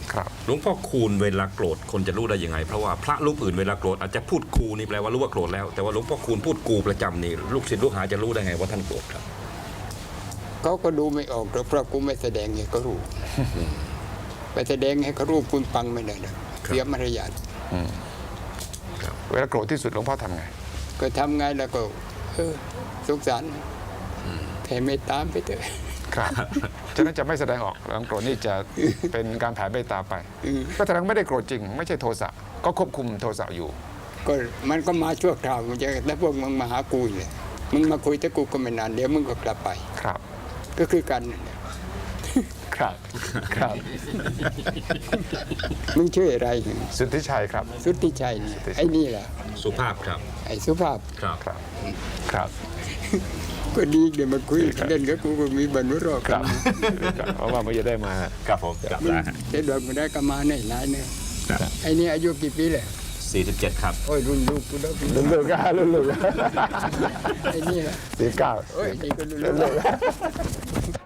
ครับหลวงพ่อคูณเวลาโกรธคนจะรู้ได้ยังไงเพราะว่าพระรูปอื่นเวลาโกรธอาจจะพูดกูนี่แปลว่ารู้ว่าโกรธแล้วแต่ว่าหลวงพ่อคูณพูดกูประจำนี่ลูกศิษย์ลูกหาจะรู้ได้ไงว่าท่านโกรธครับเขาก็ดูไม่ออกหรอกเพราะกูไม่แสดงให้เขารู้ไปแสดงให้เขารู้คุณฟังไม่ได้เลยเสียมารยาทเวลาโกรธที่สุดหลวงพ่อทำไงก็ทำไงแล้วก็สงสารแผ่เมตตาไปเถอะครับฉะนั้นจะไม่แสดงออกหลังโกรธนี่จะเป็นการแผ่เมตตาไปก็แสดงไม่ได้โกรธจริง ไม่ใช่โทสะก็ควบคุมโทสะอยู่ก็มันก็มาชั่วคราวมันจะแล้วพวกมึงมาหากูเลยมึงมาคุยแต่กูก็ไม่นานเดี๋ยวมึงก็กลับไปครับก็คือกันนั่นแหละครับครับมึงชื่ออะไรสุทธิชัยครับสุทธิชัยนี่ไอ้นี่แหละสุภาพครับไอ้สุภาพครับครับครับก็ดีเดี๋ยวมาคุยเล่นกับกูก็มีบรรลุรอดครับ เพราะว่าไม่จะได้มาครับผมครับมึงเด็ดดอกมาได้ก็มาในหลายเนี่ยไอ้นี่อายุกี่ปีเลย 47ครับโอ้ยรุ่นลูกกูแล้วลุ่นลูกลุ่นลูกไอ้นี่แหละ 49 โอ้ยนี่ก็รุ่นลูก